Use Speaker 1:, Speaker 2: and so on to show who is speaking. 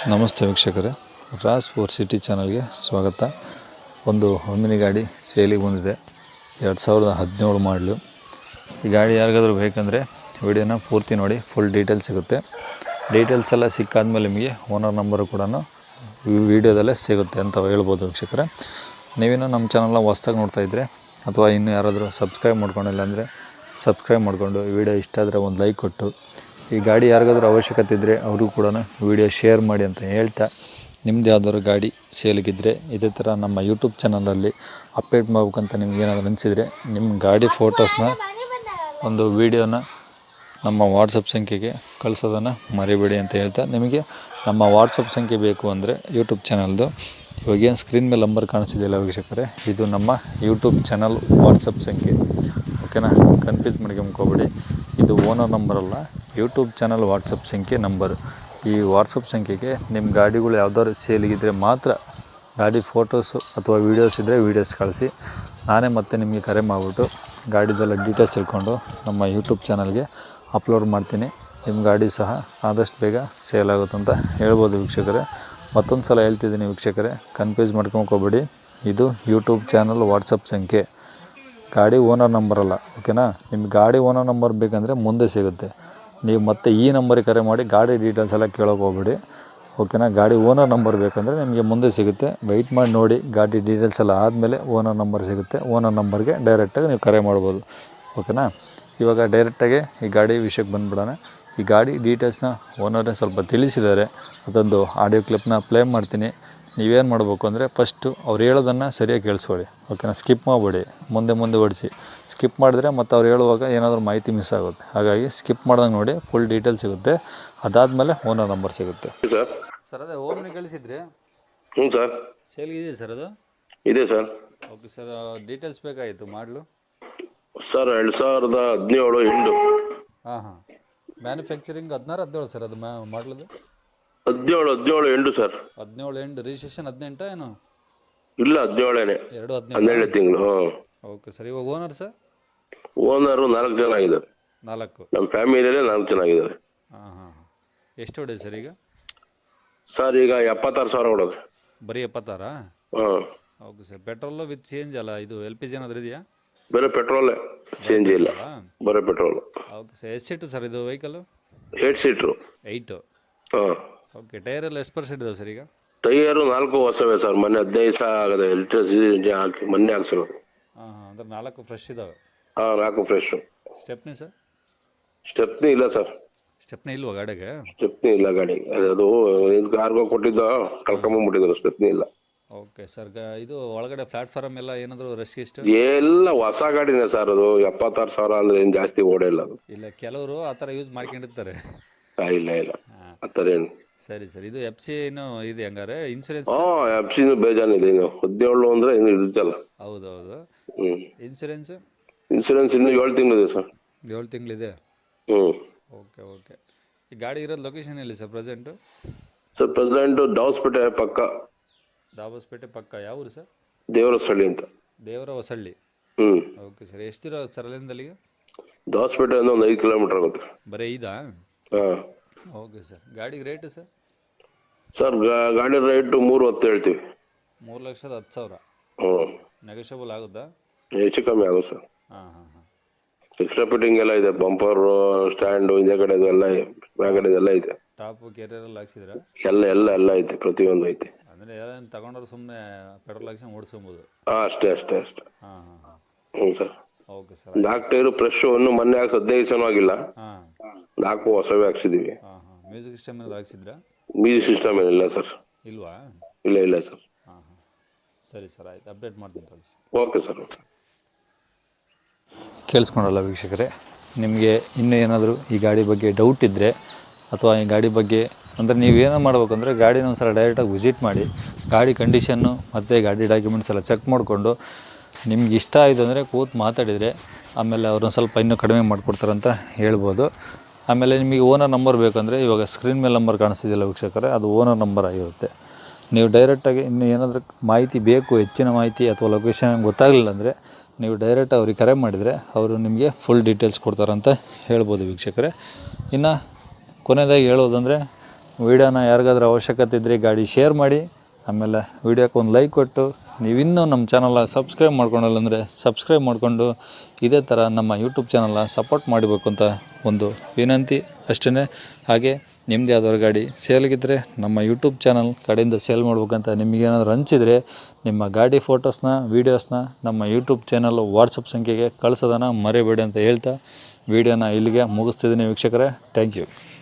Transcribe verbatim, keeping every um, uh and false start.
Speaker 1: ನಮಸ್ತೆ ವೀಕ್ಷಕರೇ, Raas four city ಚಾನಲ್ಗೆ ಸ್ವಾಗತ. ಒಂದು ಒಮ್ಮಿನಿ ಗಾಡಿ ಸೇಲಿಗೆ ಬಂದಿದೆ. ಎರಡು ಸಾವಿರದ ಹದಿನೇಳು ಮಾಡಲು. ಈ ಗಾಡಿ ಯಾರಿಗಾದರೂ ಬೇಕಂದರೆ ವಿಡಿಯೋನ ಪೂರ್ತಿ ನೋಡಿ, ಫುಲ್ ಡೀಟೇಲ್ಸ್ ಸಿಗುತ್ತೆ. ಡೀಟೇಲ್ಸ್ ಎಲ್ಲ ಸಿಕ್ಕಾದ್ಮೇಲೆ ನಿಮಗೆ ಓನರ್ ನಂಬರು ಕೂಡ ವಿಡಿಯೋದಲ್ಲೇ ಸಿಗುತ್ತೆ ಅಂತ ಹೇಳ್ಬೋದು ವೀಕ್ಷಕರೇ. ನೀವೇನೋ ನಮ್ಮ ಚಾನಲ್ನ ಹೊಸ್ದಾಗಿ ನೋಡ್ತಾ ಇದ್ದರೆ ಅಥವಾ ಇನ್ನೂ ಯಾರಾದರೂ ಸಬ್ಸ್ಕ್ರೈಬ್ ಮಾಡ್ಕೊಂಡಿಲ್ಲ ಅಂದರೆ ಸಬ್ಸ್ಕ್ರೈಬ್ ಮಾಡಿಕೊಂಡು, ವಿಡಿಯೋ ಇಷ್ಟ ಆದರೆ ಒಂದು ಲೈಕ್ ಕೊಟ್ಟು, ಈ ಗಾಡಿ ಯಾರಿಗಾದ್ರೂ ಅವಶ್ಯಕತೆ ಇದ್ದರೆ ಅವ್ರಿಗೂ ಕೂಡ ವಿಡಿಯೋ ಶೇರ್ ಮಾಡಿ ಅಂತ ಹೇಳ್ತಾ, ನಿಮ್ಮದು ಯಾವ್ದಾದ್ರು ಗಾಡಿ ಸೇಲಿಗಿದ್ದರೆ ಇದೇ ಥರ ನಮ್ಮ ಯೂಟ್ಯೂಬ್ ಚಾನಲಲ್ಲಿ ಅಪ್ಡೇಟ್ ಮಾಡ್ಬೇಕಂತ ನಿಮ್ಗೆ ಏನಾದರೂ ಅನಿಸಿದರೆ ನಿಮ್ಮ ಗಾಡಿ ಫೋಟೋಸ್ನ ಒಂದು ವೀಡಿಯೋನ ನಮ್ಮ ವಾಟ್ಸಪ್ ಸಂಖ್ಯೆಗೆ ಕಳಿಸೋದನ್ನು ಮರಿಬೇಡಿ ಅಂತ ಹೇಳ್ತಾ, ನಿಮಗೆ ನಮ್ಮ ವಾಟ್ಸಪ್ ಸಂಖ್ಯೆ ಬೇಕು ಅಂದರೆ ಯೂಟ್ಯೂಬ್ ಚಾನಲ್ದು ಇವಾಗೇನು ಸ್ಕ್ರೀನ್ ಮೇಲೆ ನಂಬರ್ ಕಾಣಿಸ್ತಿದೆಯಲ್ಲ ವೀಕ್ಷಕರೇ, ಇದು ನಮ್ಮ ಯೂಟ್ಯೂಬ್ ಚಾನಲ್ ವಾಟ್ಸಪ್ ಸಂಖ್ಯೆ. ಓಕೆನಾ, ಕನ್ಫ್ಯೂಸ್ ಮಾಡ್ಕೊಂಬ್ಕೋಬೇಡಿ. ಇದು ಓನರ್ ನಂಬರ್ ಅಲ್ಲ, ಯೂಟ್ಯೂಬ್ ಚಾನಲ್ ವಾಟ್ಸಪ್ ಸಂಖ್ಯೆ ನಂಬರ್. ಈ ವಾಟ್ಸಪ್ ಸಂಖ್ಯೆಗೆ ನಿಮ್ಮ ಗಾಡಿಗಳು ಯಾವ್ದಾದ್ರು ಸೇಲಿಗಿದ್ದರೆ ಮಾತ್ರ ಗಾಡಿ ಫೋಟೋಸು ಅಥವಾ ವೀಡಿಯೋಸ್ ಇದ್ದರೆ ವೀಡಿಯೋಸ್ ಕಳಿಸಿ, ನಾನೇ ಮತ್ತೆ ನಿಮಗೆ ಕರೆ ಮಾಡಿಬಿಟ್ಟು ಗಾಡಿದೆಲ್ಲ ಡೀಟೇಲ್ಸ್ ತಿಳ್ಕೊಂಡು ನಮ್ಮ ಯೂಟ್ಯೂಬ್ ಚಾನಲ್ಗೆ ಅಪ್ಲೋಡ್ ಮಾಡ್ತೀನಿ. ನಿಮ್ಮ ಗಾಡಿ ಸಹ ಆದಷ್ಟು ಬೇಗ ಸೇಲ್ ಆಗುತ್ತೆ ಅಂತ ಹೇಳ್ಬೋದು ವೀಕ್ಷಕರೇ. ಮತ್ತೊಂದು ಸಲ ಹೇಳ್ತಿದ್ದೀನಿ ವೀಕ್ಷಕರೇ, ಕನ್ಫ್ಯೂಸ್ ಮಾಡ್ಕೊಂಡ್ಕೋಬೇಡಿ. ಇದು ಯೂಟ್ಯೂಬ್ ಚಾನಲ್ ವಾಟ್ಸಪ್ ಸಂಖ್ಯೆ, ಗಾಡಿ ಓನರ್ ನಂಬರ್ ಅಲ್ಲ. ಓಕೆನಾ, ನಿಮ್ಗೆ ಗಾಡಿ ಓನರ್ ನಂಬರ್ ಬೇಕಂದರೆ ಮುಂದೆ ಸಿಗುತ್ತೆ. ನೀವು ಮತ್ತೆ ಈ ನಂಬರಿಗೆ ಕರೆ ಮಾಡಿ ಗಾಡಿ ಡೀಟೇಲ್ಸ್ ಎಲ್ಲ ಕೇಳೋಕೆ ಹೋಗ್ಬೇಡಿ. ಓಕೆನಾ, ಗಾಡಿ ಓನರ್ ನಂಬರ್ ಬೇಕಂದರೆ ನಿಮಗೆ ಮುಂದೆ ಸಿಗುತ್ತೆ. ವೆಯ್ಟ್ ಮಾಡಿ ನೋಡಿ, ಗಾಡಿ ಡೀಟೇಲ್ಸ್ ಎಲ್ಲ ಆದಮೇಲೆ ಓನರ್ ನಂಬರ್ ಸಿಗುತ್ತೆ. ಓನರ್ ನಂಬರ್ಗೆ ಡೈರೆಕ್ಟಾಗಿ ನೀವು ಕರೆ ಮಾಡ್ಬೋದು. ಓಕೆನಾ, ಇವಾಗ ಡೈರೆಕ್ಟಾಗಿ ಈ ಗಾಡಿ ವಿಷಯಕ್ಕೆ ಬಂದುಬಿಡೋಣ. ಈ ಗಾಡಿ ಡೀಟೇಲ್ಸ್ನ ಓನರೇ ಸ್ವಲ್ಪ ತಿಳಿಸಿದ್ದಾರೆ, ಅದೊಂದು ಆಡಿಯೋ ಕ್ಲಿಪ್ನ ಪ್ಲೇ ಮಾಡ್ತೀನಿ. ನೀವೇನು ಮಾಡಬೇಕು ಅಂದರೆ ಫಸ್ಟು ಅವ್ರು ಹೇಳೋದನ್ನು ಸರಿಯಾಗಿ ಕೇಳಿಸ್ಕೊಳ್ಳಿ. ಓಕೆನಾ, ಸ್ಕಿಪ್ ಮಾಡಬೇಡಿ, ಮುಂದೆ ಮುಂದೆ ಓಡಿಸಿ. ಸ್ಕಿಪ್ ಮಾಡಿದ್ರೆ ಮತ್ತು ಅವ್ರು ಹೇಳುವಾಗ ಏನಾದರೂ ಮಾಹಿತಿ ಮಿಸ್ ಆಗುತ್ತೆ. ಹಾಗಾಗಿ ಸ್ಕಿಪ್ ಮಾಡ್ದಂಗೆ ನೋಡಿ, ಫುಲ್ ಡೀಟೇಲ್ಸ್ ಸಿಗುತ್ತೆ. ಅದಾದಮೇಲೆ ಓನರ್ ನಂಬರ್ ಸಿಗುತ್ತೆ.
Speaker 2: ಸರ್
Speaker 1: ಸರ್ ಅದೇ ಓಮ್ನಿ ಕಳಿಸಿದ್ರಿ?
Speaker 2: ಹ್ಞೂ ಸರ್,
Speaker 1: ಸೇಲ್ಗಿದೆ ಸರ್ ಅದು?
Speaker 2: ಇದೆ ಸರ್.
Speaker 1: ಓಕೆ ಸರ್, ಡೀಟೇಲ್ಸ್ ಬೇಕಾಗಿತ್ತು. ಮಾಡಲು
Speaker 2: ಸರ್ ಎರಡು ಸಾವಿರದ ಹದಿನೇಳು ಎಂಟು.
Speaker 1: ಹಾಂ ಹಾಂ ಮ್ಯಾನುಫ್ಯಾಕ್ಚರಿಂಗ್ ಹದಿನಾರು ಹದಿನೇಳು ಸರ್, ಅದು ಮ್ಯಾ ಮಾಡಲದು
Speaker 2: ಹದಿನೇಳು ಹದಿನೇಳು ಎಂಟು ಸರ್.
Speaker 1: ಹದಿನೇಳು ಎಂಟು, ರಿಜಿಸ್ಟ್ರೇಷನ್ ಹದಿನೆಂಟ ಏನು?
Speaker 2: ಇಲ್ಲ ಹದಿನೇಳೇನೆ,
Speaker 1: ಎರಡು ಹದಿನೆಂಟು
Speaker 2: ಹನ್ನೆರಡು ತಿಂಗಳು. ಹಾಂ
Speaker 1: ಓಕೆ ಸರ್. ಇವಾಗ ಓನರ್ ಸರ್?
Speaker 2: ಓನರು ನಾಲ್ಕು ಜನ ಆಗಿದ್ದಾರೆ.
Speaker 1: ನಾಲ್ಕು
Speaker 2: ನಮ್ಮ ಫ್ಯಾಮಿಲಿಯಲ್ಲೇ ನಾಲ್ಕು ಜನ ಆಗಿದ್ದಾರೆ.
Speaker 1: ಹಾಂ ಹಾಂ ಹಾಂ ಎಷ್ಟು ಹೊಡೆ ಸರ್ ಈಗ?
Speaker 2: ಸರ್ ಈಗ ಎಪ್ಪತ್ತಾರು ಸಾವಿರ ಕೊಡೋದು.
Speaker 1: ಬರೀ ಎಪ್ಪತ್ತಾರಾ?
Speaker 2: ಹಾಂ
Speaker 1: okay sir. Petrol with change ಅಲ್ಲ, ಇದು ಎಲ್ ಪಿ ಜಿ ಏನಾದರೂ ಇದೆಯಾ?
Speaker 2: ಬರೀ ಪೆಟ್ರೋಲೇ, ಚೇಂಜ್ ಇಲ್ಲ, ಬರೀ ಪೆಟ್ರೋಲು.
Speaker 1: Okay sir. ಎಷ್ಟು ಸೀಟು ಸರ್ ಇದು ವೆಹಿಕಲ್ಲು?
Speaker 2: Eight seater.
Speaker 1: ಏಯ್ಟು.
Speaker 2: ಹಾಂ
Speaker 1: ಓಕೆ. ಟೈರೆಲ್ಲ ಎಷ್ಟು ಪರ್ಸೆಂಟ್ ಇದಾವೆ ಸರ್ ಈಗ?
Speaker 2: ಟೈಯರು ನಾಲ್ಕು ಹೊಸವೇ ಸರ್, ಮೊನ್ನೆ ಹದಿನೈದು ಸಾವಿರ ಆಗದೆ ಎಲೆಕ್ಟ್ರಿಸಿಟಿ ಹಾಕಿ ಮೊನ್ನೆ ಹಾಕ್ಸಿರೋದು.
Speaker 1: ಹಾಂ ಹಾಂ ಅಂದರೆ ನಾಲ್ಕು ಫ್ರೆಶ್ ಇದ್ದಾವೆ?
Speaker 2: ಹಾಂ ನಾಲ್ಕು ಫ್ರೆಶು.
Speaker 1: Stepney sir?
Speaker 2: ಸ್ಟೆಪ್ನಿ ಇಲ್ಲ ಸರ್.
Speaker 1: ಸ್ಟೆಪ್ನಿ ಇಲ್ವಾ ಗಾಡಿಗೆ? ಸ್ಟೆಪ್ನಿ
Speaker 2: ಇಲ್ಲ ಗಾಡಿ, ಅದು ಕಾರ್ಗೋ ಕೊಟ್ಟಿದ್ದ ಕಳ್ಕೊಂಬಂದ್ಬಿಟ್ಟಿದ್ರು, ಸ್ಟೆಪ್ನಿ ಇಲ್ಲ.
Speaker 1: Okay sir. ಇದು ಒಳಗಡೆ ಪ್ಲಾಟ್ಫಾರ್ಮ್ ಎಲ್ಲ ಏನಾದರೂ ರಶ್ ಇಷ್ಟು?
Speaker 2: ಎಲ್ಲ ಹೊಸ ಗಾಡಿನೇ ಸರ್, ಅದು ಎಪ್ಪತ್ತಾರು ಸಾವಿರ ಅಂದ್ರೆ ಏನು ಜಾಸ್ತಿ ಓಡೇ ಇಲ್ಲ ಅದು.
Speaker 1: ಇಲ್ಲ, ಕೆಲವರು ಆ ಥರ ಯೂಸ್ ಮಾಡ್ಕೊಂಡಿರ್ತಾರೆ.
Speaker 2: ಇಲ್ಲ ಇಲ್ಲ ಆ ಥರ ಏನು.
Speaker 1: ಸರಿ ಸರ್. ಇದು ಎಫ್ ಸಿ ಏನು ಇದೆ ಹಂಗಾರೆ? ಇನ್ಸೂರೆನ್ಸ್?
Speaker 2: ಹಾಂ ಎಫ್ ಸಿ ಬೇಜಾನಿದೆ. ಇನ್ನು ಹದಿನೇಳು ಅಂದ್ರೆ ಇನ್ನು ಇರುತ್ತಲ್ಲ.
Speaker 1: ಹೌದೌದು.
Speaker 2: ಹ್ಞೂ.
Speaker 1: ಇನ್ಸೂರೆನ್ಸ್?
Speaker 2: ಇನ್ಸೂರೆನ್ಸ್ ಇನ್ನು ಏಳು ತಿಂಗಳಿದೆ ಸರ್.
Speaker 1: ಏಳು ತಿಂಗಳಿದೆ? ಹ್ಞೂ. Okay okay. ಈ ಗಾಡಿ ಇರೋದು ಲೊಕೇಶನ್ ಎಲ್ಲಿ sir present?
Speaker 2: Sir present Dabaspete ಪಕ್ಕ.
Speaker 1: ದಾಬಸ್ಪೇಟೆ ಪಕ್ಕ. ಯಾವ ಊರು ಸರ್?
Speaker 2: ದೇವರ ಹೊಸಳ್ಳಿ ಅಂತ.
Speaker 1: ದೇವರ ಹೊಸಳ್ಳಿ.
Speaker 2: ಹ್ಞೂ. ಅಲ್ಲಿಗೆ
Speaker 1: ಓಕೆ ಸರ್. ಎಷ್ಟಿರೋ ಸರ್ ಅಲ್ಲಿಂದ ಅಲ್ಲಿಗೆ?
Speaker 2: ದಾವಸ್ಪೇಟೆ ಅಂದ್ರೆ ಒಂದು ಐದು ಕಿಲೋಮೀಟರ್ ಆಗುತ್ತೆ.
Speaker 1: ಬರೀ ಐದಾ?
Speaker 2: ಹಾಂ.
Speaker 1: Okay sir. ಗಾಡಿಗೆ ರೇಟು ಸರ್?
Speaker 2: ಸರ್ ಗಾಡಿ ರೇಟು ಮೂರು ಹತ್ತು ಹೇಳ್ತೀವಿ.
Speaker 1: ಮೂರು ಲಕ್ಷದ ಹತ್ತು ಸಾವಿರ?
Speaker 2: ಹ್ಞೂ.
Speaker 1: ನೆಗೋಷಿಯಬಲ್ ಆಗುತ್ತಾ?
Speaker 2: ಹೆಚ್ಚು ಕಮ್ಮಿ ಆಗುತ್ತೆ ಸರ್.
Speaker 1: ಹಾಂ ಹಾಂ ಹಾಂ.
Speaker 2: ಎಕ್ಸ್ಟ್ರಾ ಫಿಟ್ಟಿಂಗ್ ಎಲ್ಲ ಇದೆ, ಬಂಪರು, ಸ್ಟ್ಯಾಂಡು, ಹಿಂದೆ ಕಡೆದು ಎಲ್ಲ, ಬ್ಯಾಗಡೆದೆಲ್ಲ ಇದೆ.
Speaker 1: ಟಾಪು ಕೆರಿಯರೆಲ್ಲ ಹಾಕ್ಸಿದ್ರಾ? ಎಲ್ಲ
Speaker 2: ಎಲ್ಲ ಎಲ್ಲ ಐತೆ, ಪ್ರತಿಯೊಂದು ಐತೆ.
Speaker 1: ಅಂದರೆ ಯಾರೇನು ತಗೊಂಡ್ರೆ ಸುಮ್ಮನೆ ಪೆಟ್ರೋಲ್ ಹಾಕ್ಸಿ ಓಡಿಸ್ಕೊಬೋದು?
Speaker 2: ಹಾಂ ಅಷ್ಟೇ ಅಷ್ಟೇ ಅಷ್ಟೇ.
Speaker 1: ಹಾಂ ಹಾಂ ಹಾಂ.
Speaker 2: ಹ್ಞೂ ಸರ್.
Speaker 1: Okay sir.
Speaker 2: ನಾಲ್ಕು ಟೈರು ಫ್ರೆಶ್, ಇನ್ನು ಮೊನ್ನೆ ಹಾಕ್ಸಿ ಹದಿನೈದು ಸಲ ಆಗಿಲ್ಲ.
Speaker 1: ಹಾಂ.
Speaker 2: ನಾಲ್ಕು ಹೊಸವೇ ಹಾಕ್ಸಿದ್ದೀವಿ.
Speaker 1: ಹಾಂ ಹಾಂ. ಮ್ಯೂಸಿಕ್ ಸಿಸ್ಟಮ್ ಏನಾದ್ರು ಹಾಕ್ಸಿದ್ರಾ?
Speaker 2: ಮ್ಯೂಸಿಕ್ ಸಿಸ್ಟಮ್ ಏನಿಲ್ಲ ಸರ್.
Speaker 1: ಇಲ್ವಾ?
Speaker 2: ಇಲ್ಲ ಇಲ್ಲ ಸರ್.
Speaker 1: ಹಾಂ ಹಾಂ. ಸರಿ ಸರ್, ಆಯ್ತು. ಅಪ್ಡೇಟ್ ಮಾಡ್ತೀನಿ ತಗೊಳ್ಳಿ ಸರ್.
Speaker 2: Okay sir. ಓಕೆ.
Speaker 1: ಕೇಳಿಸ್ಕೊಂಡಲ್ಲ ವೀಕ್ಷಕರೇ, ನಿಮಗೆ ಇನ್ನೂ ಏನಾದರೂ ಈ ಗಾಡಿ ಬಗ್ಗೆ ಡೌಟ್ ಇದ್ದರೆ ಅಥವಾ ಈ ಗಾಡಿ ಬಗ್ಗೆ ಅಂದರೆ ನೀವೇನೋ ಮಾಡ್ಬೇಕಂದ್ರೆ ಗಾಡಿನ ಒಂದು ಸಲ ಡೈರೆಕ್ಟಾಗಿ ವಿಸಿಟ್ ಮಾಡಿ, ಗಾಡಿ ಕಂಡೀಷನ್ನು ಮತ್ತು ಗಾಡಿ ಡಾಕ್ಯುಮೆಂಟ್ಸ್ ಎಲ್ಲ ಚೆಕ್ ಮಾಡಿಕೊಂಡು ನಿಮ್ಗೆ ಇಷ್ಟ ಆಯಿತು ಅಂದರೆ ಕೂತು ಮಾತಾಡಿದರೆ ಆಮೇಲೆ ಅವ್ರನ್ನ ಸ್ವಲ್ಪ ಇನ್ನೂ ಕಡಿಮೆ ಮಾಡಿಕೊಡ್ತಾರಂತ ಹೇಳ್ಬೋದು. ಆಮೇಲೆ ನಿಮಗೆ ಓನರ್ ನಂಬರ್ ಬೇಕಂದರೆ ಇವಾಗ ಸ್ಕ್ರೀನ್ ಮೇಲೆ ನಂಬರ್ ಕಾಣಿಸ್ತಿದೆಯಲ್ಲ ವೀಕ್ಷಕರೇ, ಅದು ಓನರ್ ನಂಬರ್ ಆಗಿರುತ್ತೆ. ನೀವು ಡೈರೆಕ್ಟಾಗಿ ಇನ್ನೂ ಏನಾದರೂ ಮಾಹಿತಿ ಬೇಕು, ಹೆಚ್ಚಿನ ಮಾಹಿತಿ ಅಥವಾ ಲೊಕೇಶನ್ ಗೊತ್ತಾಗಲಿಲ್ಲ ಅಂದರೆ ನೀವು ಡೈರೆಕ್ಟ್ ಅವ್ರಿಗೆ ಕರೆ ಮಾಡಿದರೆ ಅವರು ನಿಮಗೆ ಫುಲ್ ಡೀಟೇಲ್ಸ್ ಕೊಡ್ತಾರಂತ ಹೇಳ್ಬೋದು ವೀಕ್ಷಕರೇ. ಇನ್ನು ಕೊನೆಯದಾಗಿ ಹೇಳೋದಂದರೆ ವೀಡಿಯೋನ ಯಾರಿಗಾದ್ರೂ ಅವಶ್ಯಕತೆ ಇದ್ದರೆ ಗಾಡಿ ಶೇರ್ ಮಾಡಿ. ಆಮೇಲೆ ವೀಡಿಯೋಕ್ಕೆ ಒಂದು ಲೈಕ್ ಕೊಟ್ಟು ನೀವಿನ್ನೂ ನಮ್ಮ ಚಾನಲ್ನ ಸಬ್ಸ್ಕ್ರೈಬ್ ಮಾಡ್ಕೊಳಲ್ಲ ಅಂದರೆ ಸಬ್ಸ್ಕ್ರೈಬ್ ಮಾಡಿಕೊಂಡು ಇದೇ ಥರ ನಮ್ಮ ಯೂಟ್ಯೂಬ್ ಚಾನಲ್ನ ಸಪೋರ್ಟ್ ಮಾಡಬೇಕು ಅಂತ ಒಂದು ವಿನಂತಿ ಅಷ್ಟೇ. ಹಾಗೆ ನಿಮ್ಮದು ಯಾವ್ದಾದ್ರು ಗಾಡಿ ಸೇಲ್ಗಿದ್ದರೆ ನಮ್ಮ ಯೂಟ್ಯೂಬ್ ಚಾನಲ್ ಕಡೆಯಿಂದ ಸೇಲ್ ಮಾಡ್ಬೇಕಂತ ನಿಮಗೇನಾದರೂ ಅನಿಸಿದರೆ ನಿಮ್ಮ ಗಾಡಿ ಫೋಟೋಸ್ನ ವೀಡಿಯೋಸ್ನ ನಮ್ಮ ಯೂಟ್ಯೂಬ್ ಚಾನಲ್ ವಾಟ್ಸಪ್ ಸಂಖ್ಯೆಗೆ ಕಳಿಸೋದನ್ನು ಮರಿಬೇಡಿ ಅಂತ ಹೇಳ್ತಾ ವೀಡಿಯೋನ ಇಲ್ಲಿಗೆ ಮುಗಿಸ್ತಿದ್ದೀನಿ ವೀಕ್ಷಕರೇ. Thank you.